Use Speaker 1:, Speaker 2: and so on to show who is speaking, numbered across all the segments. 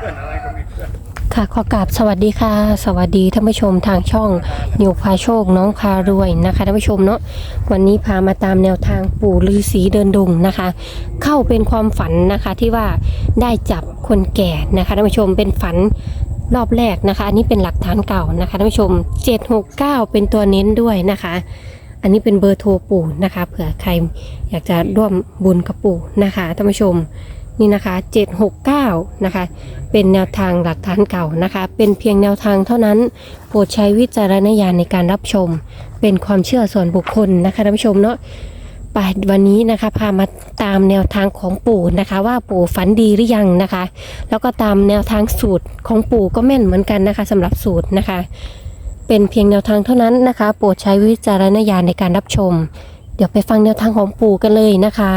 Speaker 1: พื่อนอะไรก็มีเพื่อน
Speaker 2: ค่ะขอกราบสวัสดีค่ะสวัสดีท่านผู้ชมทางช่องนิวพาโชคน้องพารวยนะคะท่านผู้ชมเนาะวันนี้พามาตามแนวทางปู่ฤาษีเดินดงนะคะ เข้าเป็นความฝันนะคะที่ว่าได้จับคนแก่นะคะท่านผู้ชมเป็นฝันรอบแรกนะคะอันนี้เป็นหลักฐานเก่านะคะท่านผู้ชม769เป็นตัวเน้นด้วยนะคะ อันนี้เป็นเบอร์โทรปู่นะคะเผื่อใครอยากจะร่วมบุญกับปู่นะคะท่านผู้ชมนี่นะคะ769นะคะเป็นแนวทางหลักฐานเก่านะคะเป็นเพียงแนวทางเท่านั้นโปรดใช้วิจารณญาณในการรับชมเป็นความเชื่อส่วนบุคคลนะคะท่านผู้ชมเนาะไปวันนี้นะคะพามาตามแนวทางของปู่นะคะว่าปู่ฝันดีหรือยังนะคะแล้วก็ตามแนวทางสูตรของปู่ก็แม่นเหมือนกันนะคะสำหรับสูตรนะคะเป็นเพียงแนวทางเท่านั้นนะคะโปรดใช้วิจารณญาณในการรับชมเดี๋ยวไปฟังแนวทางของปู่กันเลยนะคะ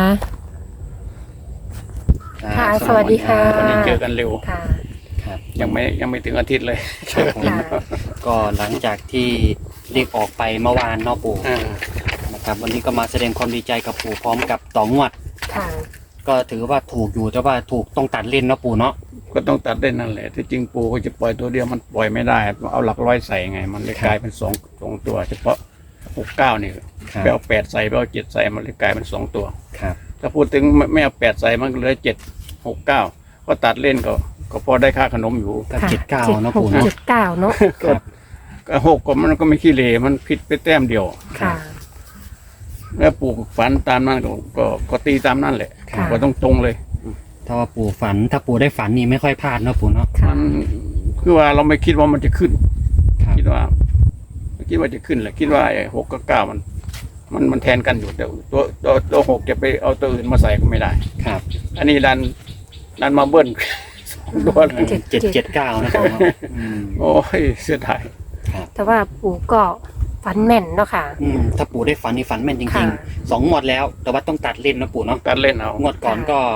Speaker 2: ค่ะสวัสดีค่ะ
Speaker 1: วันนี้เจอกันเร็ว
Speaker 2: ค่ะ
Speaker 3: ครับ
Speaker 1: ยังไม่ถึงอาทิตย์เลย
Speaker 3: ครับผม
Speaker 2: ค่ะ
Speaker 3: ก็หลังจากที่เรียกออกไปเมื่อวานเนาะปู่
Speaker 1: อ่า
Speaker 3: นะครับวันนี้ก็มาแสดงความดีใจกับปู่พร้อมกับต่องวด
Speaker 2: ค่ะ
Speaker 3: ก็ถือว่าถูกอยู่แต่ว่าถูกต้องตัดเล่นเนาะปู่เนาะ
Speaker 1: ก็ต้องตัดได้นั่นแหละที่จริงปูก็จะปล่อยตัวเดียวมันปล่อยไม่ได้เอาหลักร้อยใส่ไง มันเลยกลายเป็นสองตัว เฉพาะ69นี่
Speaker 3: ครับ
Speaker 1: ไปเอา8ใส่ไปเอา7ใส่มันเลยกลายเป็น2ตัว
Speaker 3: ครับ
Speaker 1: ถ้าพูดถึงไม่เอา8ใส่มันก็เหลือ769ก็ตัดเล่นก็พอได้ค่าขนมอยู่
Speaker 3: ก็79เนาะปู่เนาะ
Speaker 2: 76 79เนาะ
Speaker 3: ครับ
Speaker 1: ก็6ก็มันก็ไม่ขี้เหร่มันผิดไปแต้มเดียว
Speaker 2: ค่ะ
Speaker 1: แล้วปู่ฝันตามนั้นก็ตีตามนั่นแหละ
Speaker 2: ค่ะ
Speaker 1: ก็ต้องตรงเลย
Speaker 3: ถ้าว่าปู่ฝันถ้าปู่ได้ฝันนี่ไม่ค่อยพลาดเนาะปู่เนาะ
Speaker 2: ค่ะ
Speaker 1: มันคือว่าเราไม่คิดว่ามันจะขึ้น
Speaker 3: ครับ
Speaker 1: คิดว่าไม่คิดว่าจะขึ้นแหละคิดว่าไอ้6กับ9มันแทนกันอยู่แต่ตัว6จะไปเอาตัวอื่นมาใส่ก็ไม่ได้
Speaker 3: ครับ
Speaker 1: อันนี้ดันมาเบิ้ล ตัวเลย
Speaker 3: 779นะปู่เนาะอืม
Speaker 1: โอ้ยเสียดาย
Speaker 3: ครับ
Speaker 2: แต่ว่าปู่ก็ฝันแม่นเนาะค่ะ
Speaker 3: ถ้าปู่ได้ฝันนี่ฝันแม่นจริ
Speaker 2: ค่ะ
Speaker 3: งๆ2งวดแล้ว แต่ว่าต้องตัดเล่นเนาะปู่เนาะ
Speaker 1: ตัดเล่นเอา
Speaker 3: งวดก่อนก็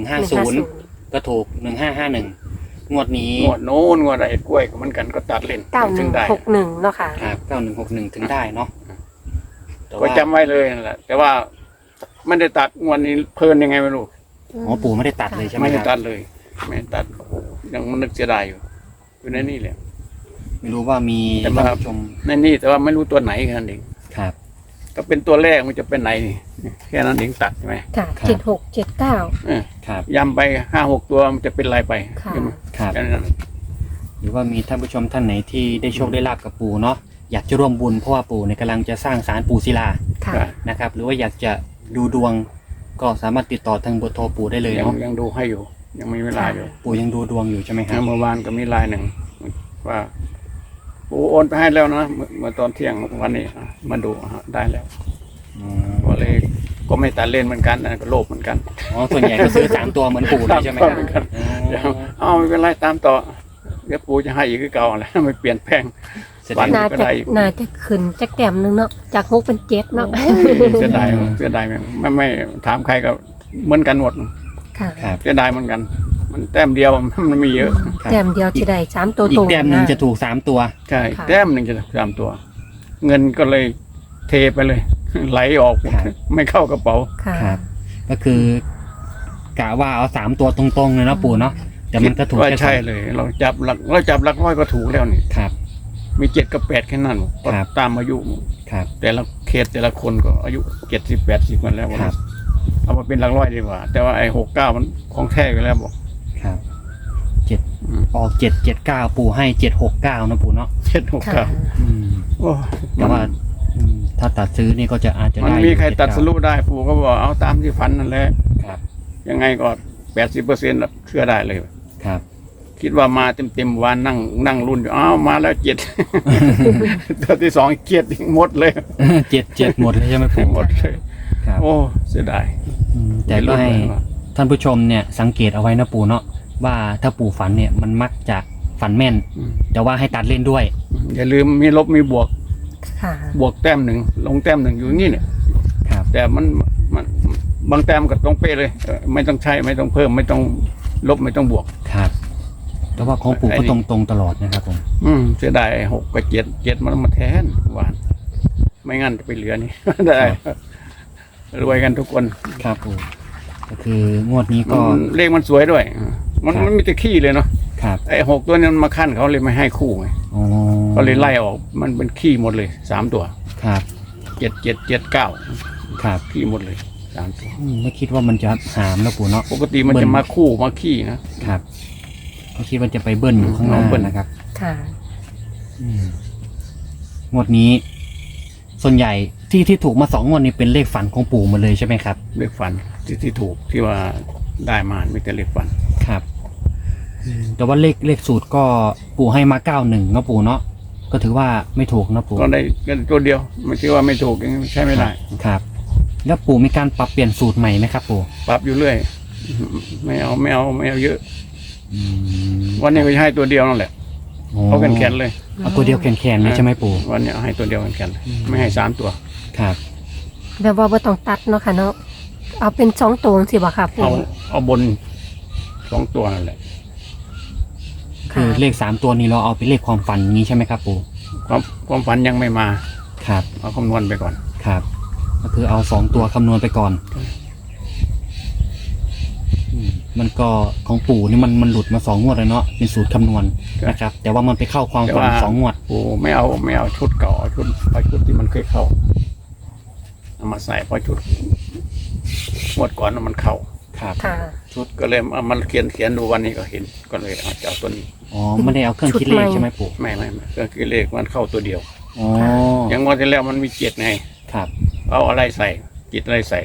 Speaker 3: 150ก็ถูก1551งวดนี้
Speaker 1: งวดโน้นงวดไอ้กล้วยก็เหมือนกันก็ตัดเล่นถึงได้
Speaker 2: 9161เนาะค่ะ
Speaker 3: ครับ9161ถึงได้เนาะแต่
Speaker 1: ก็
Speaker 3: ว่า
Speaker 1: จำไว้เลยนั่นแหละแต่ว่าไม่ได้ตัดงวดนี้เพลินยังไงไม่รู้
Speaker 3: อ๋อปู่ไม่ได้ตัดเลยใช่ไหม
Speaker 1: ไม่
Speaker 3: ค
Speaker 1: ได้
Speaker 3: รับ
Speaker 1: ตัดเลยไม่ได้ตัดโอ้โหยังนึกเสียดายอยู่ในนี่แหละ
Speaker 3: ไม่รู้ว่ามี
Speaker 1: แต่
Speaker 3: ท่าน
Speaker 1: ว่า
Speaker 3: ผู้ชม
Speaker 1: ในนี่แต่ว่าไม่รู้ตัวไหนแค่นั้นเอง
Speaker 3: ครับ
Speaker 1: ก็เป็นตัวแรกมันจะเป็นไหนแค่นั้นเองตัดใช่ไหม
Speaker 2: ค่ะ
Speaker 3: ครับ
Speaker 2: 76 79
Speaker 3: ครับ
Speaker 1: ย้ำไป5-6ตัวมันจะเป็นไรไป
Speaker 2: ค่ะ
Speaker 1: ใช่ไหม
Speaker 3: ครับ
Speaker 1: แค่นั้น
Speaker 3: หรือว่ามีท่านผู้ชมท่านไหนที่ได้โชคได้ลาบกับปู่เนาะอยากจะร่วมบุญเพราะว่าปู่เนี่ยกำลังจะสร้างศาลปู่ศิลา
Speaker 2: ค่ะ
Speaker 1: ก็
Speaker 3: นะครับ หรือว่าอยากจะดูดวง ก็สามารถติดต่อทางเบอร์โทรปู่ได้เลย
Speaker 1: ยัง
Speaker 3: เนาะ
Speaker 1: ยังดูให้อยู่ ยังมีเวลาอยู่
Speaker 3: ปู่ยังดูดวงอยู่ใช่ไหมครับ
Speaker 1: เมื่อวานก็มีไลน์หนึ่งว่าปูโอนไปให้แล้วนะเมื่อตอนเที่ยงวันนี้มาดูได้แล้ว
Speaker 3: อ๋อ
Speaker 1: ก็เลยก็ไม่ตัดเล่นเหมือนกันนะก็โลภเหมือนกัน
Speaker 3: อ๋อส่วนใหญ่ก็ซื้อ3ตัวเหมือนปู่เลยใช่ไหมครับ
Speaker 1: เหมือนกัน
Speaker 3: อ๋
Speaker 1: เดี๋ยว
Speaker 3: อ
Speaker 1: เอาไม่เป็นไรตามต่อเดี๋ยวปูจะให้อีกคือเก่าแหละไม่เปลี่ยนแปลง
Speaker 3: แสด
Speaker 1: วั
Speaker 3: ง
Speaker 1: น
Speaker 2: น่า
Speaker 1: ก็
Speaker 2: จะ
Speaker 1: ได้
Speaker 2: น่าจะขึ้นจักแต้มหนึงเนาะจาก6เป็น7เนาะ
Speaker 1: เสียดายไม่ถามใครก็เหมือนกันหมด
Speaker 2: ค่ะ
Speaker 3: ครับ
Speaker 1: เสียดายเหมือนกัน มันแต้มเดียวมันมีเยอะ
Speaker 3: ครับ
Speaker 2: แต้มเดียวที่ได้3ตัว
Speaker 3: อี
Speaker 2: ตร
Speaker 3: ก
Speaker 2: ง
Speaker 3: แต้มหนึ่งจะถูก3ตัว
Speaker 1: ใช่
Speaker 2: ค่ะ
Speaker 1: แต้มหนึ่งจะตามตัว เงินก็เลยเทไปเลย ไหลออก
Speaker 3: ครับ
Speaker 1: ไม่เข้ากระเป๋า
Speaker 2: ค่ะ
Speaker 3: ครับ ก็คือกะว่าเอา3ตัวตรงๆเลยเนาะปู่เนาะแต่มันก็ถูก
Speaker 1: ว่า
Speaker 3: แค่
Speaker 1: ใช่เลย เราจับหลักร้อยก็ถูกแล้วนี่
Speaker 3: ครับ
Speaker 1: มี7กับ8แค่นั้นก็
Speaker 3: ครับ
Speaker 1: ตามอายุ
Speaker 3: ครับ
Speaker 1: แต่ละเขตแต่ละคนก็อายุ70-80กันแล้ว
Speaker 3: ครับ
Speaker 1: เอามาเป็นหลักร้อยดีกว่า แต่ว่าไอ้69มันของแท้ไปแล้วบอก
Speaker 3: ครับ7
Speaker 1: อืม
Speaker 3: ออก779ปู่ให้769นะปู่เนาะ
Speaker 2: ค่ะ
Speaker 1: 769
Speaker 3: อืม
Speaker 1: โอ้
Speaker 3: แต่ว่าถ้าตัดซื้อนี่ก็จะอาจจะ
Speaker 1: มัน
Speaker 3: ได้
Speaker 1: มีใครตัด
Speaker 3: 79
Speaker 1: สรุปได้ปู่ก็บอกเอาตามที่ฝันนั่นแหละ
Speaker 3: ครับ
Speaker 1: ยังไงก็80%เชื่อได้เลย
Speaker 3: ครับ
Speaker 1: คิดว่ามาเต็มวันนั่งรุ่นอยู่อ้าวมาแล้ว7 ตัวที่2เกียดหมดเลย
Speaker 3: 7หมดเลยใช่ไหมปู่
Speaker 1: หมดเลย
Speaker 3: ครับ
Speaker 1: โอ้เสียดาย
Speaker 3: แต่ก็ให้ท่านผู้ชมเนี่ยสังเกตเอาไว้นะปู่เนาะว่าถ้าปู่ฝันเนี่ยมันมักจะฝันแม่น
Speaker 1: อืม
Speaker 3: แต่ว่าให้ตัดเล่นด้วย
Speaker 1: อย่าลืมมีลบมีบวก
Speaker 2: ค่ะ
Speaker 1: บวกแต้มหนึ่งลงแต้มหนึ่งอยู่อย่างนี่เนี่ย
Speaker 3: ครับ
Speaker 1: แต่มันบางแต้มก็ตรงเป๊ะเลยไม่ต้องใช้ไม่ต้องเพิ่มไม่ต้องลบไม่ต้องบวก
Speaker 3: ครับแต่ว่าของปู่
Speaker 1: ไอ้
Speaker 3: ก็
Speaker 1: นี่
Speaker 3: ตรงๆตลอดนะครับผม
Speaker 1: เสียดาย6กับ7มันมาแทนหวาน ไม่งั้นจะไปเหลือนี่ ได้รวยกันทุกคน
Speaker 3: ครับปู่ก็คืองวดนี้ก็
Speaker 1: เลขมันสวยด้วย มัน
Speaker 3: ครับ
Speaker 1: มีแต่ขี้เลยเนาะ
Speaker 3: คครับ
Speaker 1: ไอ้หกตัวนี้มันมาขั้นเขาเลยไม่ให้คู่ไง
Speaker 3: อ๋อ
Speaker 1: ก็เลยไล่ออกมันเป็นขี้หมดเลย3 ตัว
Speaker 3: ครับ
Speaker 1: 7 7 7 9
Speaker 3: ครับ
Speaker 1: ขี้หมดเลย3 ตัว
Speaker 3: ไม่คิดว่ามันจะหามนะปู่เนาะ
Speaker 1: ปกติมันจะมาคู่มาขี้นะครับ
Speaker 3: ไม่คิดว่าจะไปเบิ้ลอยู่ข้างหน้า
Speaker 1: เบิ้ล
Speaker 3: นะครับ
Speaker 2: ค่ะ
Speaker 3: งวดนี้ ส่วนใหญ่ที่ถูกมา2 งวดนี้เป็นเลขฝันของปู่หมดเลยใช่ไหมครับ
Speaker 1: เลขฝันที่ถูกที่ว่าได้มาไม่แต่เลขฝัน
Speaker 3: ครับแต่ว่าเลขสูตรก็ปู่ให้มา91เนาะปู่เนาะก็ถือว่าไม่ถูกนะปู่
Speaker 1: ก็ได้กันตัวเดียวไม่ใช่ว่าไม่ถูกยังใช้ไม่ได้
Speaker 3: ครับ แล้วปู่มีการปรับเปลี่ยนสูตรใหม่ไหมครับปู่
Speaker 1: ปรับอยู่เรื่อยไม่เอาเยอะ
Speaker 3: อืม
Speaker 1: วันนี้ก็จะให้ตัวเดียวนั่นแหละเอาแขนๆเลย
Speaker 3: เอาตัวเดียวแขนๆเลยใช่ไหมปู่
Speaker 1: วันนี้เอาให้ตัวเดียวแขนๆเลยไม่ให้3 ตัว
Speaker 3: ครับ
Speaker 2: แบบว่าบ่ต้องตัดเนาะค่ะเนาะเอาเป็น2ตัวสิบ่ค่ะปู่
Speaker 1: เอาบน2 ตัวนั่นแหละ
Speaker 3: คือเลข3 ตัวนี้เราเอาไปเลขความฝันนี้ใช่ไหมครับปู่
Speaker 1: ความฝันยังไม่มา
Speaker 3: ครับ
Speaker 1: เอาคำนวณไปก่อน
Speaker 3: ครับ ก็คือเอา2 ตัวคำนวณไปก่อนมันก็ของปู่นี่มันหลุดมา2 งวดเลยเนาะเป็นสูตรคำนวณนะครับ แต่ว่ามันไปเข้าความฝัน2 งวด
Speaker 1: ปูไม่เอาชุดเก่าเอาชุดที่มันเคยเข้าเอามาใส่เพราะชุดงวดก่อนมันเข้า
Speaker 3: ครับ
Speaker 2: ค่ะ
Speaker 1: ชุดก็เลยเอามันเขียนดูวันนี้ก็เห็นก็เลยเอาจะเอาตัวนี้
Speaker 3: อ๋อไม่ได้เอาเครื่องคิดเลขใช่ไหมปู่
Speaker 1: ไม่ก็คือเลขมันเข้าตัวเดียว
Speaker 3: อ๋อ
Speaker 1: อย่างงวดที่แล้วมันมี7ไง
Speaker 3: ครับ
Speaker 1: เอาอะไรใส่จิตอะไรใส่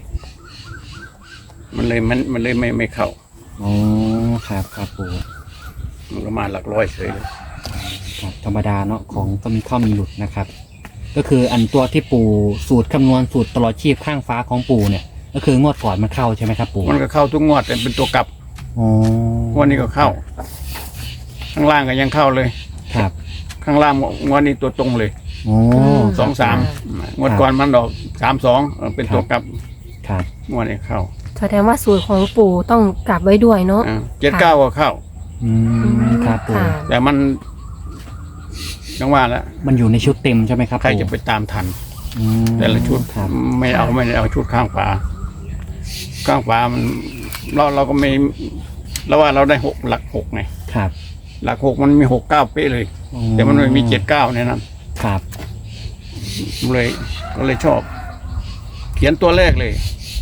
Speaker 1: มันเลยไม่เข้า
Speaker 3: อ๋อครับครับปู่
Speaker 1: มันก็มาหลักร้อยเฉยเลย
Speaker 3: ครับธรรมดาเนาะของก็มีเข้ามีหลุดนะครับ ก็คืออันตัวที่ปู่สูตรคำนวณสูตรตลอดชีพข้างฟ้าของปู่เนี่ย ก็คืองวดก่อนมันเข้าใช่ไหมครับปู่
Speaker 1: มันก็เข้าทุกงวดแต่เป็นตัวกลับ
Speaker 3: อ๋อง
Speaker 1: วดนี้ก็เข้า ข้างล่างก็ยังเข้าเลย
Speaker 3: ครับ
Speaker 1: ข้างล่างงวดนี้ตัวตรงเลย
Speaker 3: โอ้
Speaker 1: 2 3งวดก่อนมันดอก3 2เป็นตัวกลับ
Speaker 3: ครับ
Speaker 1: งวดนี้เข้า
Speaker 2: แสดงว่าสูตรของปู่ต้องกลับไว้ด้วยเนาะ
Speaker 1: 7 9ก็เข้า
Speaker 3: อืมครับปู่
Speaker 2: ค่ะ
Speaker 1: แต่มันยังว่าแล้ว
Speaker 3: มันอยู่ในชุดเต็มใช่ไหมครับ
Speaker 1: ใคร
Speaker 3: ปู่
Speaker 1: จะไปตามทัน
Speaker 3: อืม
Speaker 1: แต่ละชุด
Speaker 3: ครับ
Speaker 1: ไม่ได้เอาชุดข้างฝาข้างฝามันเราก็ไม่เราว่าเราได้หลัก 6ไง
Speaker 3: ครับ
Speaker 1: หลัก 6มันมี6 9เป๊ะเลย
Speaker 3: อ๋อ
Speaker 1: แต่มันไม่มี7 9ในนั้น
Speaker 3: ครับ
Speaker 1: เลยก็เลยชอบ เขียนตัวแรกเลย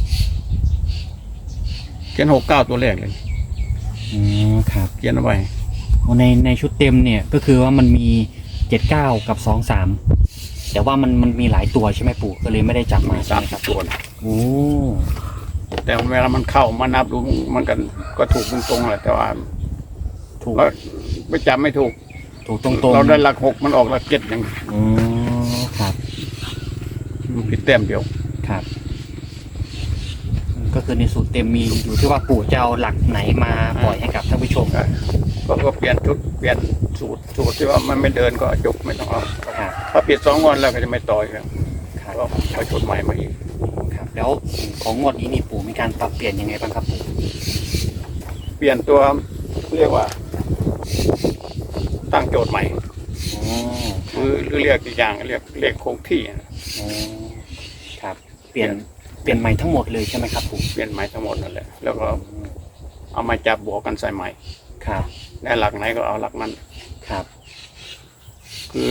Speaker 1: เขียน6 9ตัวแรกเลย
Speaker 3: อืมครับ
Speaker 1: เขียนเอาไว้
Speaker 3: ในชุดเต็มเนี่ยก็คือว่ามันมี79กับ23แต่ว่ามันมีหลายตัวใช่ไหมปู่ก็เลยไม่ได้จับมาใช่ไหมครับ
Speaker 1: ตัว
Speaker 3: โอ้
Speaker 1: แต่เวลามันเข้ามานับดูมันก็ถูกตรงๆแหละแต่ว่า
Speaker 3: ถูก
Speaker 1: เราไม่จำไม่ถูก
Speaker 3: ถูกตรงๆ
Speaker 1: เราได้หลัก 6มันออกหลัก 7อย่าง
Speaker 3: อ๋อครับ
Speaker 1: มันผิดแต้มเดียว
Speaker 3: ครับ ก็คือในสูตรเต็มมีอยู่ที่ว่าปู่จะเอาหลักไหนมาปล่อยให้กับท่านผู้ชม
Speaker 1: ก็เปลี่ยนชุดเปลี่ยนสูตรที่ว่ามันไม่เดินก็จบไม่ต้องเอา
Speaker 3: ครับ
Speaker 1: ถ้าปิด2 วันแล้วก็จะไม่ต่อยครับ
Speaker 3: ครับ
Speaker 1: ก็เอาชุดใหม่มาอีก
Speaker 3: ครับ แล้วของงวดนี้นี่ปู่มีการปรับเปลี่ยนยังไงบ้างครับปู่
Speaker 1: เปลี่ยนตัวเรียกว่า ตั้งโจทย์ใหม่
Speaker 3: อ๋อ
Speaker 1: หรือเรียกอีกอย่างเรียกคงที่
Speaker 3: อ๋อครับ เปลี่ยนใหม่ทั้งหมดเลยใช่ไหมครับปู่
Speaker 1: เปลี่ยนใหม่ทั้งหมดนั่นแหละแล้วก็เอามาจับบวกกันใส่ใหม่
Speaker 3: ครับ
Speaker 1: ได้หลักไหนก็เอาหลักนั้น
Speaker 3: ครับ
Speaker 1: คือ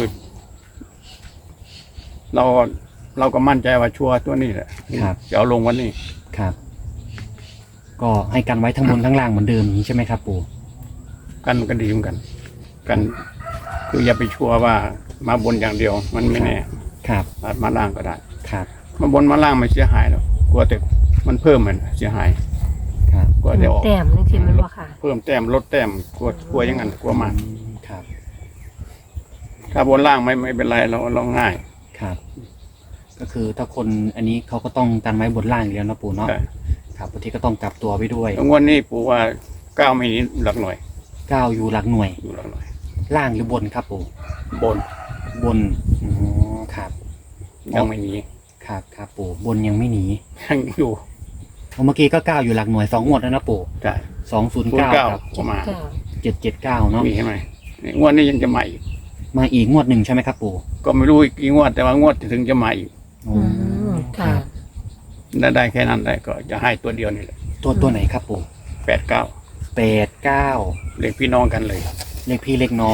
Speaker 1: เราก็มั่นใจว่าชัวร์ตัวนี้แหละ
Speaker 3: ครับ
Speaker 1: จะเอาลงวันนี้
Speaker 3: ครับ ก็ให้กันไว้ทั้งบนทั้งล่างเหมือนเดิมอย่างนี้ใช่ไหมครับปู่
Speaker 1: กันดีเหมือนกัน กัน คืออย่าไปชัวร์ว่ามาบนอย่างเดียว มันไม่แน่
Speaker 3: ครับ
Speaker 1: อาจมาล่างก็ได้
Speaker 3: ครับ
Speaker 1: มาบนมาล่างไม่เสียหายหรอกกลัวแต่มันเพิ่มมันเสียหาย
Speaker 3: ครับ
Speaker 1: กลัวเดี๋ยวออก
Speaker 2: แต้มนึงสิมันบ่ค่ะ
Speaker 1: เพิ่มแต้มลดแต้มกลัวอย่างนั้นกลัวมาก
Speaker 3: ครับ
Speaker 1: ถ้าบนล่างไม่เป็นไรเราง่าย
Speaker 3: ครับ ก็คือถ้าคนอันนี้เขาก็ต้องกันไว้บนล่างอยู่แล้วนะปู่เนาะ
Speaker 1: ใช่
Speaker 3: ครับบางทีก็ต้องกลับตัวไปด้วย
Speaker 1: แล้วงวดนี้ปู่ว่า9ไม่หนี้หลักหน่วย
Speaker 3: 9อยู่หลักหน่วย
Speaker 1: อยู่หลักหน่วย
Speaker 3: ล่างหรือบนครับปู่
Speaker 1: บน
Speaker 3: บนอ๋อครับ
Speaker 1: ยังไม่หนี
Speaker 3: ครับครับปู่บนยังไม่หนี
Speaker 1: ยังอยู่
Speaker 3: เมื่อกี้ก็9อยู่หลักหน่วย2งวดแล้วนะปู่
Speaker 1: ใช่
Speaker 3: 209กับ
Speaker 1: ก็มา
Speaker 3: 779เนาะ
Speaker 1: มีใช่ไหมนี่งวดนี้ยังจะมาอีก
Speaker 3: มาอีกงวดหนึ่งใช่ไหมครับปู่
Speaker 1: ก็ไม่รู้อีกกี่งวดแต่ว่างวดถึงจะมาอีก
Speaker 3: อ๋อ
Speaker 2: ค่ะ
Speaker 1: ได้แค่นั้นได้ก็จะให้ตัวเดียวนี่แหละ
Speaker 3: ตัวไหนครับปู่
Speaker 1: 89
Speaker 3: 789
Speaker 1: เลขพี่น้องกันเลย
Speaker 3: เลขพี่เลขน้อง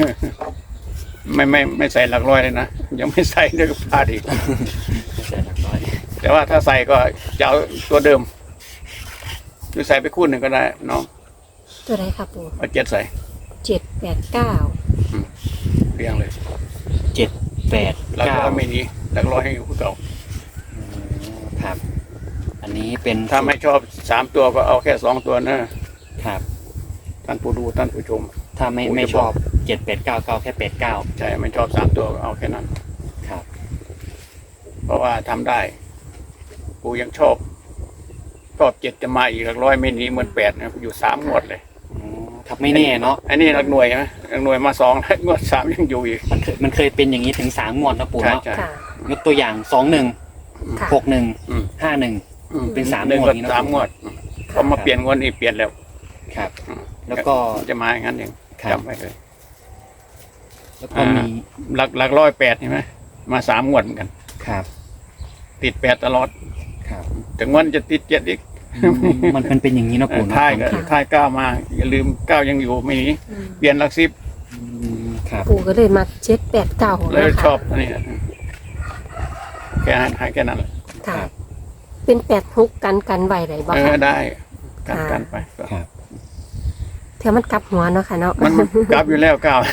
Speaker 1: ไม่ใส่หลักร้อยเลยนะยังไม่ใส่ด้วยก็พลาดอีก
Speaker 3: ใส่หลักร้อย
Speaker 1: แต่ว่าถ้าใส่ก็จะเอาตัวเดิมคือใส่ไปคู่หนึ่งก็ได้น้อง
Speaker 2: ตัวไหนครับปู่
Speaker 1: เอา7ใส่
Speaker 2: 789
Speaker 1: เรียงเลย
Speaker 3: 789
Speaker 1: หลักร้อยไม่หนีหลักร้อยให้อยู่คือเก่า
Speaker 3: ครับ อันนี้เป็น
Speaker 1: ถ้าไม่ชอบ3ตัวก็เอาแค่2ตัวนะครับ ท่านผู้ดูท่านผู้ชม
Speaker 3: ถ้าไม่
Speaker 1: ผมจะ
Speaker 3: ไม่ชอบ
Speaker 1: บอก
Speaker 3: 7899แค่89
Speaker 1: ใช่ไม่ชอบ3ตัวก็เอาแค่นั้น
Speaker 3: ครับ
Speaker 1: เพราะว่าทำได้กูยังชอบ7จะมาอีกหลักร้อยไม่หนีเหมือน8นะอยู่3งวดเลย
Speaker 3: ครับไม่แน่เนาะ
Speaker 1: อันนี้หลักหน่วยนะหลักหน่วยมา2แล้วงวด3ยังอยู่อีก
Speaker 3: มันเคยเป็นอย่างนี้ถึง3งวดนะปู่
Speaker 1: ใช่
Speaker 3: เนาะ
Speaker 1: ใช่
Speaker 2: ค่ะ
Speaker 3: ยกตัวอย่าง
Speaker 2: ค่ะ
Speaker 3: 21
Speaker 1: อืม
Speaker 3: 61 51 เป็น3
Speaker 1: หนึ่ง
Speaker 3: งว
Speaker 1: ก็
Speaker 3: ดนี้นะ
Speaker 1: 3งวดพอมาเปลี่ยนงวดนี้เปลี่ยนแล้ว
Speaker 3: ครับ
Speaker 1: อืม
Speaker 3: แล้วก็
Speaker 1: จะมาอย่างนั้นเอง
Speaker 3: ครับ
Speaker 1: จำไว้เลย
Speaker 3: แล้วก็มี
Speaker 1: หลักร้อย8เห็นไหมมา3งวดเหมือนกัน
Speaker 3: ครับ
Speaker 1: ติด8ตลอด
Speaker 3: ครับ
Speaker 1: ถึงวันจะติด7อีก
Speaker 3: มันเป็นอย่างนี้นะปู่เนาะ
Speaker 1: ท้ายก็ท้าย9มาอย่าลืม9ยังอยู่ไม่หนีเปลี่ยนหลัก10
Speaker 3: ครับ
Speaker 2: ปู่ก็เลยมา789
Speaker 1: เลย
Speaker 2: นะคะ
Speaker 1: ชอบอันนี้แค่ให้แค่นั้นแหละ
Speaker 2: ค่ะ เป็น86กันไว้ได้บ่
Speaker 1: เอ
Speaker 2: คะ
Speaker 1: อได้กันไปก็
Speaker 3: ครับ
Speaker 2: เท่ามันกลับหัวเนาะค่ะเนาะ
Speaker 1: มันกลับอยู่แล้ว9
Speaker 3: ครับ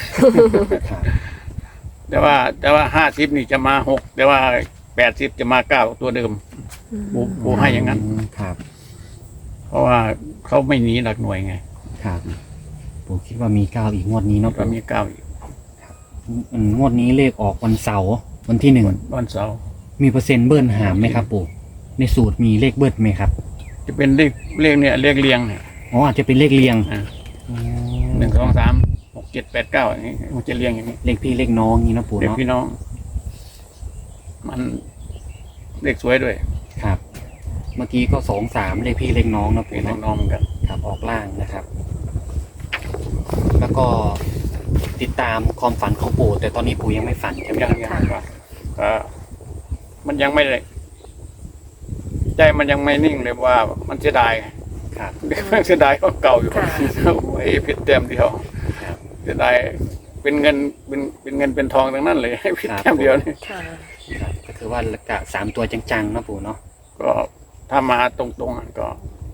Speaker 1: แต่ว่า50นี่จะมา6แต่ว่า80จะมา9ตัวเดิมปูให้อย่างนั้น
Speaker 3: ครับ
Speaker 1: เพราะว่าเขาไม่หนีหลักหน่วยไง
Speaker 3: ครับปู่คิดว่ามี9อีกงวดนี้เนาะ
Speaker 1: ก็
Speaker 3: ปู่
Speaker 1: มี9อีก
Speaker 3: งวดนี้เลขออกวันเสาร์วันที่
Speaker 1: วันเสาร์
Speaker 3: 1มีเปอร์เซ็นต์เบิ้ลหามไหมครับปู่ในสูตรมีเลขเบิ้ลไหมครับ
Speaker 1: จะเป็นเลขเนี่ยเลขเรียงเนี่ย
Speaker 3: อ๋ออาจจะเป็นเลขเรียง
Speaker 1: 1 2 3 6 7 8 9อย่างนี้มันจะเรียงอย่างนี้
Speaker 3: เลขพี่เลขน้องนี่นะปู่
Speaker 1: เด็ก
Speaker 3: เนาะ
Speaker 1: พี่น้อง มันเลขสวยด้วย
Speaker 3: ครับ เมื่อกี้ก็2-3เลขพี่เลขน้องนะ
Speaker 1: พี่
Speaker 3: ปู่
Speaker 1: น้องๆเหมือนกัน
Speaker 3: ครับออกล่างนะครับ แล้วก็ติดตามความฝันของปู่แต่ตอนนี้ปู่ยังไม่ฝันใช่ไหม
Speaker 1: ยัง
Speaker 3: ครับ
Speaker 1: ยังก็มันยังไม่ได้ใจมันยังไม่นิ่งเลยว่ามันเสียดายไง
Speaker 3: ครับ
Speaker 1: เสียดายของเก่าอยู่
Speaker 2: ค่ะ
Speaker 1: โอ้ยผิดเต็มเดียว
Speaker 3: ครับ
Speaker 1: เสียดายเป็นเงินเป็นทองทั้งนั้นเลยให้ผิด
Speaker 3: ครับ
Speaker 1: แต้มเดียวนี่
Speaker 2: ค่ะ
Speaker 3: ครับก็คือว่ากะ3ตัวจังๆนะปู่เนาะ
Speaker 1: ก็ถ้ามาตรงๆอ่ะก็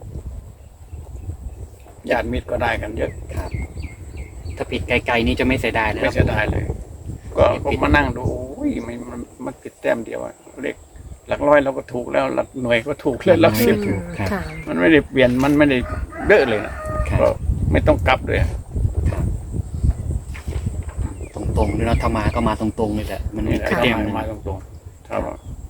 Speaker 1: ญาติมิตรก็ได้กันเยอะ
Speaker 3: ครับ ถ้าผิดไกลๆนี่จะไม่เสียดายเลย
Speaker 1: ไม่
Speaker 3: นะ
Speaker 1: เสีย
Speaker 3: ปู่
Speaker 1: ดายเลย ก็ผมมานั่งดูโอ้ยมันผิดแต้มเดียวอะเลขหลักร้อยเราก็ถูกแล้วหลักหน่วยก็ถูกเลยหลักสิบ
Speaker 3: ครับ
Speaker 2: ค่ะ
Speaker 1: มันไม่ได้เปลี่ยนมันไม่ได้เยอะเลยนะครับ ก็ไม่ต้องกลับเลย
Speaker 3: ครับตรงๆเลยเนาะถ้ามาก็มาตรงๆเลยแหละมัน
Speaker 1: นี่แหละ
Speaker 3: ผิด
Speaker 1: ก็
Speaker 3: แต้มหนึ่ง
Speaker 1: มาตรงๆครับ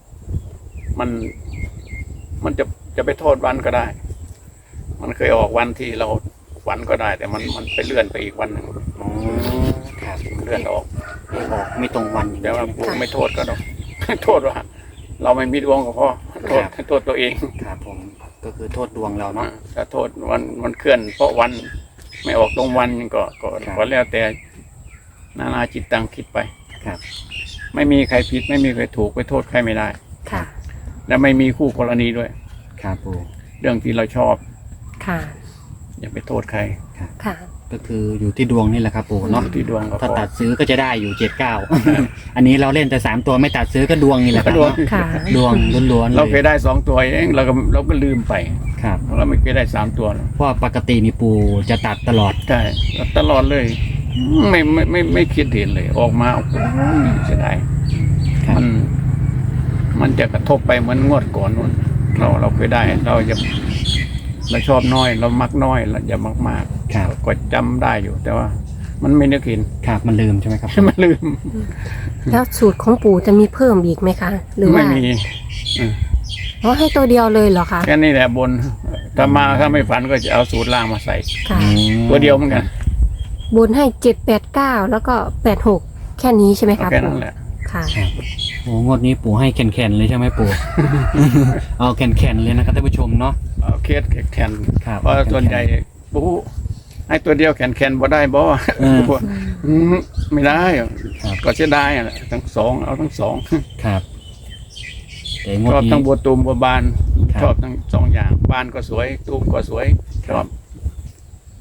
Speaker 1: มันจะไปโทษวันก็ได้ มันเคยออกวันที่เราฝันก็ได้ แต่มันไปเลื่อนไปอีกวันหนึ่ง
Speaker 3: อ๋อครับ
Speaker 1: เลื่อนออก
Speaker 3: เลขออกไม่ตรงวันอย่าง
Speaker 1: แต่
Speaker 3: นี้
Speaker 1: ว่า
Speaker 3: ใช่ไหม
Speaker 1: ผมไม่โทษก็ต้อง โทษว่า เราไม่มีดวงก็พอโทษตัวเอง
Speaker 3: ครับผมก็คือโทษดวงเราเนาะ
Speaker 1: ถ้าโทษวันเคลื่อน เพราะวันไม่ออกตรงวันก็
Speaker 3: ครับ
Speaker 1: ก็แล้วแต่นานาจิตตังคิดไป
Speaker 3: ครับ
Speaker 1: ไม่มีใครผิดไม่มีใครถูกไปโทษใครไม่ได้
Speaker 2: ค่ะ
Speaker 1: และไม่มีคู่กรณีด้วย
Speaker 3: ครับปู่
Speaker 1: เรื่องที่เราชอบ
Speaker 2: ค่ะ
Speaker 1: อย่าไปโทษใคร
Speaker 2: ค่ะ
Speaker 3: ก็คืออยู่ที่ดวงนี่แหละครับปู่เนาะ
Speaker 1: อยู่ที่ดวงก็พ
Speaker 3: ถ้า
Speaker 1: อ
Speaker 3: ตัดซื้อก็จะได้อยู่79 อันนี้เราเล่นแต่3ตัวไม่ตัดซื้อก็ดวงนี่แหละครับ
Speaker 1: ดวง
Speaker 3: เนาะ
Speaker 2: ค่ะ
Speaker 3: ดวงล้วนๆ
Speaker 1: เราเค
Speaker 3: เลย ย
Speaker 1: ได้2 ตัวเองเราก็ลืมไป
Speaker 3: ครับ
Speaker 1: เราไม่เคยได้3 ตัวหรอก
Speaker 3: เพราะว่าปกติมีปู่จะตัดตลอด
Speaker 1: ใช่ตลอดเลย ไม่คิดเห็นเลย ออกมาโอ้โหเสียดาย
Speaker 3: ครับ
Speaker 1: มันจะกระทบไปเหมือนงวดก่อนนู่นเราเคยได้เราชอบน้อย เรามักน้อยเราอย่ามักมาก
Speaker 3: ครับ
Speaker 1: ก็จำได้อยู่ แต่ว่า มันไม่นึกเห็น
Speaker 3: ครับมันลืมใช่ไหมครับ
Speaker 1: มันลืม
Speaker 2: แล้วสูตรของปู่จะมีเพิ่มอีกไหมคะ หรือ
Speaker 1: ไม่
Speaker 2: ว่า
Speaker 1: มี
Speaker 2: เพราะให้ตัวเดียวเลยเหรอคะ
Speaker 1: แค่นี้แหละบนถ้าไม่ฝันก็จะเอาสูตรล่างมาใส่
Speaker 2: ค่ะ
Speaker 1: ตัวเดียวเหมือนกัน
Speaker 2: บนให้789แล้วก็86แค่นี้ใช่ไหม
Speaker 1: เอา
Speaker 2: คะ
Speaker 1: แค่
Speaker 2: ปู่
Speaker 1: นั้นแหละ
Speaker 2: ค่ะ
Speaker 3: ครับโอ้งวดนี้ปู่ให้แข็งๆเลยใช่ไหมปู่ เอาแข็งๆเลยนะครับท่านผู้ชมเนาะ
Speaker 1: เอาเคสแขน
Speaker 3: ครับ
Speaker 1: เพราะส่วนใหญ่ปูให้ตัวเดียวแขนบ่ได้บ่ ไม่ได้
Speaker 3: ครับ
Speaker 1: ก็เสียดายอ่ะทั้งสองเอาทั้งสอง
Speaker 3: ครับแต่งว
Speaker 1: ช
Speaker 3: ด
Speaker 1: อบ
Speaker 3: นี้
Speaker 1: ทั้งบัวตูมบัวบาน
Speaker 3: ครับ
Speaker 1: ชอบทั้ง2 อย่างบานก็สวยตูมก็สวยชอบ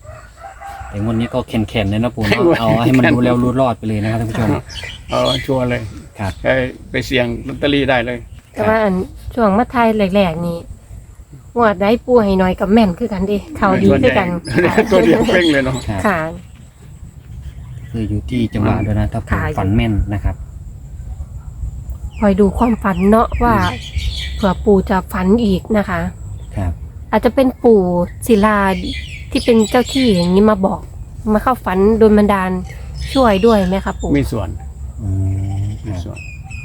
Speaker 3: แต่งวดนี้ก็แข็งๆเลยนะปู่เนาะเอาให้มันรู้แล้วรู้รอดไปเลยนะครับท่านผู้ชม
Speaker 1: เอาชัวร์เลย
Speaker 3: ครับ
Speaker 1: ไปเสี่ยงลอตเตอรี่ได้เลย
Speaker 2: แต่ว่าอันช่วงมาไทยแรกๆนี่งวดได้ปูให้น้อยกับแม่นคือกันเดิเขาดีคือกันค่ะ
Speaker 1: ตัวเดียวเพ่งเลยเนาะ
Speaker 3: ครับ
Speaker 2: ค่ะ
Speaker 3: คืออยู่ที่จังหวะด้วยนะถ้าปู่
Speaker 2: ค่ะ
Speaker 3: ฝันแม่นนะครับ
Speaker 2: คอยดูความฝันเนาะว่าเผื่อปู่จะฝันอีกนะคะ
Speaker 3: ครับ
Speaker 2: อาจจะเป็นปู่ศิลาที่เป็นเจ้าที่อย่างนี้มาบอกมาเข้าฝันโดนบันดาลช่วยด้วยไหมคะปู่
Speaker 1: มีส่วน
Speaker 3: อืมค
Speaker 1: มี
Speaker 3: รับ
Speaker 1: ส่วน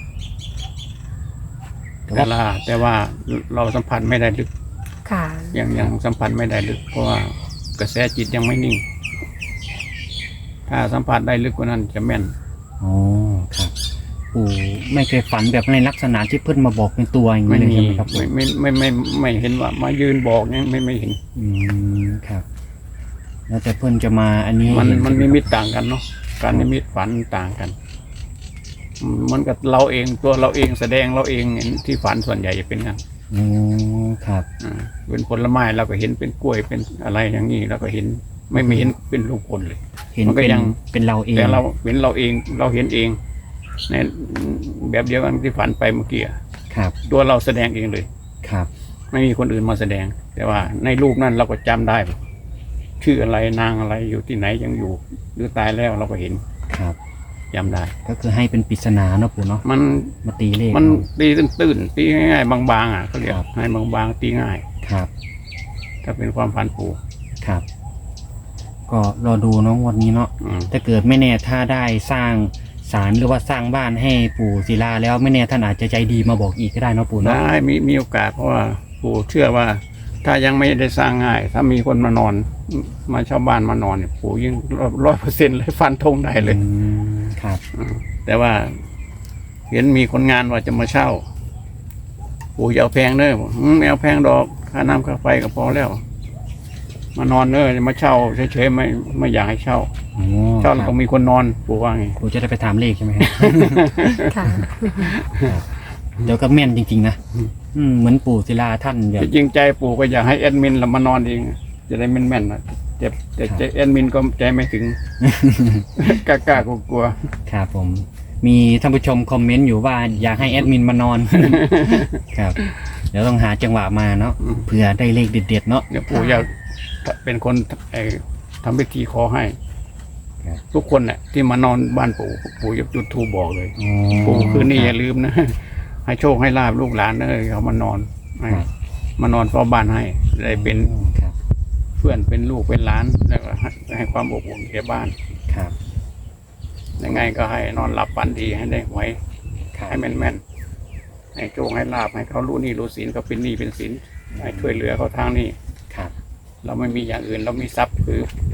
Speaker 3: แต่ว่า
Speaker 1: แต่ว่าเราสัมผัสไม่ได้ลึก
Speaker 2: ค่ะ
Speaker 1: ยังสัมผัสไม่ได้ลึก เพราะว่ากระแสจิตยังไม่นิ่ง ถ้าสัมผัสได้ลึกกว่านั้นจะแม่น
Speaker 3: อ๋อครับปู่ไม่เคยฝันแบบในลักษณะที่เพื่อนมาบอกเป็นตัวอย่าง
Speaker 1: ไม่
Speaker 3: นี้เลย
Speaker 1: มี
Speaker 3: ใช่ไหมครับปู่
Speaker 1: ไม่เห็นว่ามายืนบอกเนี่ยไม่เห็น
Speaker 3: อืมครับ แล้วแต่เพื่อนจะมาอันนี้
Speaker 1: มัน
Speaker 3: เห็
Speaker 1: มัน
Speaker 3: ใช่ไห
Speaker 1: นิ
Speaker 3: ครับ
Speaker 1: มิตต่างกันเนาะการนิมิตฝันต่างกันเหมันกับเราเองตัวเราเองแสดงเราเองที่ฝันส่วนใหญ่จะเป็นงั้น
Speaker 3: อืมครับ
Speaker 1: เป็นผลไม้เราก็เห็นเป็นกล้วยเป็นอะไรอย่างนี้เราก็เห็นไม่เห็นเป็นลูกผลเลย
Speaker 3: เห็น
Speaker 1: มันก็
Speaker 3: เป็น
Speaker 1: ยัง
Speaker 3: เป็นเราเอง
Speaker 1: แต่เราเห็นเราเองเราเห็นเองในแบบเดียวกันที่ฝันไปเมื่อกี้อะ
Speaker 3: ครับ
Speaker 1: ตัวเราแสดงเองเลย
Speaker 3: ครับ
Speaker 1: ไม่มีคนอื่นมาแสดง แต่ว่าในรูปนั้นเราก็จำได้ ชื่ออะไรนางอะไรอยู่ที่ไหนยังอยู่หรือตายแล้วเราก็เห็น
Speaker 3: ครับ
Speaker 1: จำได้
Speaker 3: ก็คือให้เป็นปริศนาเนาะปู่เนาะ
Speaker 1: มัน
Speaker 3: มาตีเลข
Speaker 1: มัน
Speaker 3: เอา
Speaker 1: ตีตื้นๆตีง่ายๆบางๆอ่ะเขาเรียก
Speaker 3: ครับ
Speaker 1: ให้บางๆตีง่าย
Speaker 3: ครับ
Speaker 1: ถ้าเป็นความฝันปู่
Speaker 3: ครับ ก็รอดูเนาะวันนี้เนาะ
Speaker 1: อืม
Speaker 3: ถ้าเกิดไม่แน่ถ้าได้สร้างศาลหรือว่าสร้างบ้านให้ปู่ศิลาแล้วไม่แน่ท่านอาจจะใจดีมาบอกอีกก็ได้เนาะปู่เนาะ
Speaker 1: ได้มีโอกาสเพราะว่าปู่เชื่อว่า ถ้ายังไม่ได้สร้างง่าย ถ้ามีคนมานอนมาเช่าบ้านมานอนเนี่ยปู่ยิ่ง100%เลยฟันธงได้เลย
Speaker 3: อืมครับ
Speaker 1: แต่ว่าเห็นมีคนงานว่าจะมาเช่า ปู่จะเอาแพงเนอะไม่เอาแพงดอกค่าน้ำค่าไฟก็พอแล้ว มานอนเนอะจะมาเช่าเฉยๆไม่อยากให้เช่า
Speaker 3: โอ้
Speaker 1: เช่า
Speaker 3: ค
Speaker 1: แล้ว
Speaker 3: รับ
Speaker 1: ก็มีคนนอนปู่ว่าไง
Speaker 3: ปู่จะได้ไปถามเลขใช่ไหมครับ
Speaker 2: ค่ะ
Speaker 3: เดี๋ยวก็แม่นจริงๆนะเหมือนปู่ศิลาท่านแบบ
Speaker 1: ที่จริงใจปู่ก็อยากให้แอดมินเรามานอนเองจะได้แม่นๆนะแต่ใจแอดมินก็ใจไม่ถึง กล้ากลัว
Speaker 3: ครับผม มีท่านผู้ชมคอมเมนต์อยู่ว่าอยากให้แอดมินมานอน ครับ เดี๋ยวต้องหาจังหวะมาเนาะเผื่อได้เลขเด็ดๆเนาะ
Speaker 1: ๆเดี๋ยวปู่อยากเป็นคนทำพิธีขอให้
Speaker 3: ครับ
Speaker 1: ทุกคนเนี่ยที่มานอนบ้านปู่จะจุดธูปบอกเลย
Speaker 3: อ๋อ
Speaker 1: ปู่คืนนี้อย่าลืมนะ ให้โชคให้ลาบลูกหลานนะเขามานอนให้
Speaker 3: ครับ
Speaker 1: มานอนเฝ้าบ้านให้ได้เป็น
Speaker 3: ครับ
Speaker 1: เพื่อนเป็นลูกเป็นหลานแล้วก็ให้ความอบอุ่นแก่บ้าน
Speaker 3: ครับ
Speaker 1: ยังไงก็ให้นอนหลับฝันดีให้ได้หวย
Speaker 3: ครับ
Speaker 1: ให้แม่นๆให้โชคให้ลาบให้เขารู้หนี่รู้สินเขาเป็นหนี้เป็นสินให้ช่วยเหลือเขาทางนี้
Speaker 3: ครับ
Speaker 1: เราไม่มีอย่างอื่น เรามีทรัพย์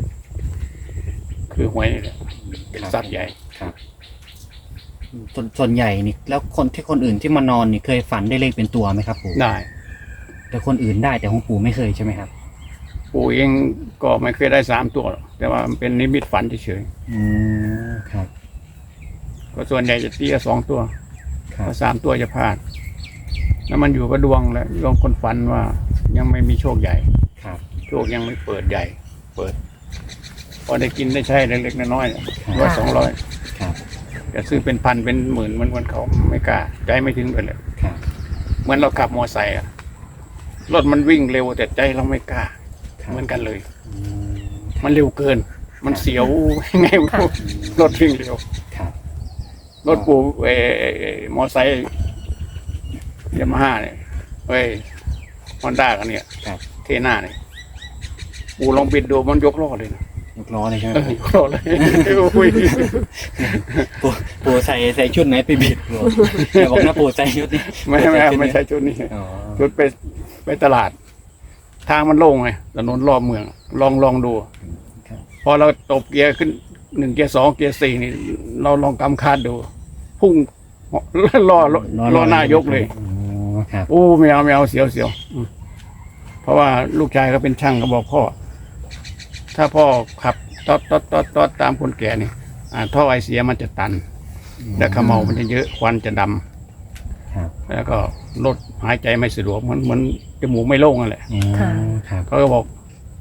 Speaker 1: คือหวยนี่แหละเป็นทรัพย์ใหญ่
Speaker 3: ครับส่วนใหญ่นี่แล้วคนอื่นที่มานอนนี่เคยฝันได้เลขเป็นตัวไหมครับปู่
Speaker 1: ได้
Speaker 3: แต่คนอื่นได้แต่ของปู่ไม่เคยใช่ไหมครับ
Speaker 1: ปู่เองก็ไม่เคยได้3 ตัวหรอกแต่ว่ามันเป็นนิมิตฝันเฉย
Speaker 3: อืมครับ
Speaker 1: ๆก็ส่วนใหญ่จะตีละ2 ตัว
Speaker 3: ครับ
Speaker 1: ถ้า3 ตัวจะพลาด แล้วมันอยู่กับดวงแหละดวงคนฝันว่ายังไม่มีโชคใหญ่
Speaker 3: ครับ
Speaker 1: โชคยังไม่เปิดใหญ่ เปิด พอได้กินได้ใช้เล็กๆน้อยๆ
Speaker 3: ครับ
Speaker 1: 100-200
Speaker 3: ครับ
Speaker 1: จะซื้อเป็นพันเป็นหมื่นเหมือนเขาไม่กล้าใจไม่ถึงเลยเลย
Speaker 3: ครับ
Speaker 1: เหมือนเราขับมอไซค์อะรถมันวิ่งเร็วแต่ใจเราไม่กล้า
Speaker 3: ครับ
Speaker 1: เหมือนกันเลย
Speaker 3: อืม
Speaker 1: มันเร็วเกิน มันเสียว ยังไงไม่รู้รถวิ่งเร็ว
Speaker 3: ครับ
Speaker 1: รถปูมอไซค์ยามาฮ่าเนี่ยฮอนด้ากันเนี่ย
Speaker 3: ครับ
Speaker 1: เทน่าเนี่ยปูลองบิดดูมันยกล้อเลยนะ
Speaker 3: ยกล้อเลยใช่ไหม
Speaker 1: ยกล้อเลยโอ้ย
Speaker 3: ปู่ใส่ชุดไหนไปบิดปู่อย่าบอกนะปู่ใส่ชุดนี้
Speaker 1: ไม่ใช่ชุดนี้
Speaker 3: อ๋อ
Speaker 1: ชุดไปตลาด ทางมันโล่งไงถนนรอบเมือง ลองดู
Speaker 3: ครับ
Speaker 1: พอเราตบเกียร์ขึ้น1 เกียร์ 2 เกียร์ 4นี่เราลองกำคาดดู พุ่งล้อหน้ายกเลย
Speaker 3: อ๋อครับ
Speaker 1: โอ้ไม่เอาเสียวเพราะว่าลูกชายเขาเป็นช่างเขาบอกพ่อ ถ้าพ่อขับตอดตามคนแก่นี่ท่อไอเสียมันจะตัน และขมเมามันจะเยอะควันจะดำ
Speaker 3: ครับ
Speaker 1: แล้วก็รถหายใจไม่สะดวกเหมือนจมูกไม่โล่งนั่นแหละ
Speaker 3: อ๋อ
Speaker 2: ค่ะ
Speaker 3: ครับ
Speaker 1: เขาก็บอก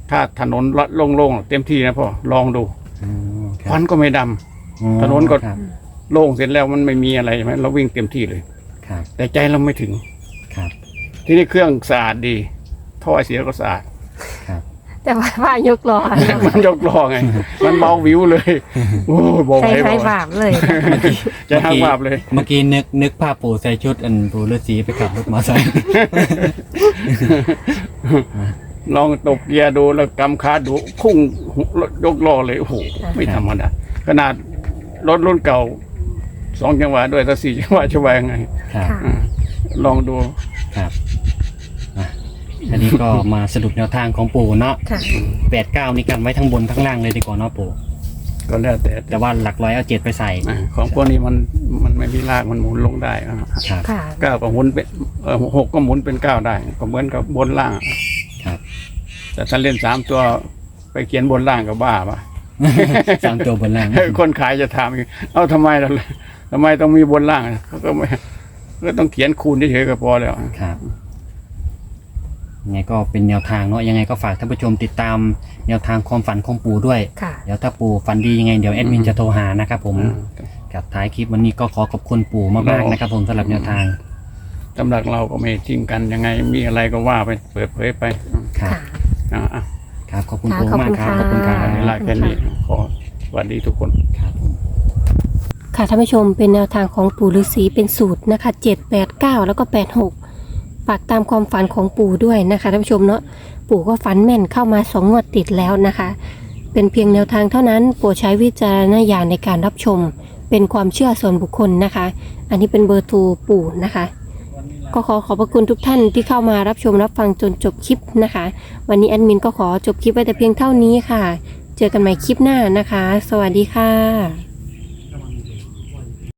Speaker 1: ถ้าถนนโล่งๆเต็มที่นะพ่อลองดู ควันก็ไม่ดำถนนก็
Speaker 3: ครับ
Speaker 1: โล่งเสร็จแล้วมันไม่มีอะไรใช่ไหมเราวิ่งเต็มที่เลย
Speaker 3: ครับ
Speaker 1: แต่ใจเราไม่ถึง
Speaker 3: ครับ
Speaker 1: ที่นี่เครื่องสะอาดดีท่อไอเสียก็สะอาด
Speaker 3: ครับ
Speaker 2: แต่ว่าว่ายกล้อ
Speaker 1: มันยกล้อไง มันเบาวิวเลยโอ้ยบอก
Speaker 2: ใจ
Speaker 1: ไว้
Speaker 2: ไฟ
Speaker 1: บอกไว้
Speaker 2: บาปเลย
Speaker 1: ใจหักบาปเลย
Speaker 3: เมื่อกี้นึกภาพปู่ใส่ชุดอันปู่ฤาษีไปขับรถมอเตอร์ไซค์
Speaker 1: ลองตกเกียร์ดูแล้วกำคาดูพุ่งยกล้อเลยโอ้โหไม่ธรรมดาขนาดรถรุ่นเก่า2 จังหวะด้วยถ้า4 จังหวะจะว่ายังไง
Speaker 3: ครับ
Speaker 2: ค่ะ
Speaker 1: อ่าลองดู
Speaker 3: ครับอ่ะอันนี้ก็มาสรุปแนวทางของปู่เนาะ
Speaker 2: ค่ะ
Speaker 3: 89นี่กันไว้ทั้งบนทั้งล่างเลยดีกว่าเนาะปู่
Speaker 1: ก็แล้วแต่
Speaker 3: แต่ว่าหลักร้อยเอา7ไปใส่
Speaker 1: ของพวกนี้มันไม่มีรากมันหมุนลงได้อ่ะ
Speaker 3: ครับ
Speaker 2: ค่ะ
Speaker 1: 9ก็หมุนเป็น6ก็หมุนเป็น9ได้ก็เหมือนกับบนล่าง
Speaker 3: ครับ
Speaker 1: แต่ถ้าเล่น3 ตัวไปเขียนบนล่างก็บ้าปะ
Speaker 3: 3 ตัวบนล่าง
Speaker 1: คนขายจะถามอีกเอ้าทำไมต้องมีบนล่างเขาก็ไม่ก็ต้องเขียนคูณเฉยๆก็พอแล้ว
Speaker 3: ครับยังไงก็เป็นแนวทางเนาะยังไงก็ฝากท่านผู้ชมติดตามแนวทางความฝันของปู่ด้วย
Speaker 2: ค่ะ
Speaker 3: เดี๋ยวถ้าปู่ฝันดียังไงเดี๋ยวแอดมินจะโทรหานะครับผม
Speaker 1: อืม
Speaker 3: กับท้ายคลิปวันนี้ก็ขอขอบคุณปู่มากๆนะครับผมสำหรับแนวทาง
Speaker 1: สำหรับเราก็ไม่ทิ้งกันยังไงมีอะไรก็ว่าไปเปิดเผยไป
Speaker 3: ครับ
Speaker 2: ค่ะ
Speaker 1: อ่ะ
Speaker 3: ครับขอบคุณ
Speaker 2: ค่ะ
Speaker 3: ปู่
Speaker 2: ขอบ
Speaker 3: มาก
Speaker 2: คุณ
Speaker 3: ครับ
Speaker 2: ค่ะ
Speaker 3: ขอบคุณครับ
Speaker 1: เวลาแค่นี้ขอสวัสดีทุกคน
Speaker 3: ครับผม
Speaker 2: ค่ะท่านผู้ชมเป็นแนวทางของปู่ฤาษีเป็นสูตรนะคะ789แล้วก็86ฝากตามความฝันของปู่ด้วยนะคะท่านผู้ชมเนาะปู่ก็ฝันแม่นเข้ามา2 งวดติดแล้วนะคะ เป็นเพียงแนวทางเท่านั้นโปรดใช้วิจารณญาณในการรับชม เป็นความเชื่อส่วนบุคคลนะคะ อันนี้เป็นเบอร์โทรปู่นะคะ ก็ขอขอบพระคุณทุกท่านที่เข้ามารับชมรับฟังจนจบคลิปนะคะ วันนี้แอดมินก็ขอจบคลิปไว้แต่เพียงเท่านี้ค่ะ เจอกันใหม่คลิปหน้านะคะ สวัสดีค่ะ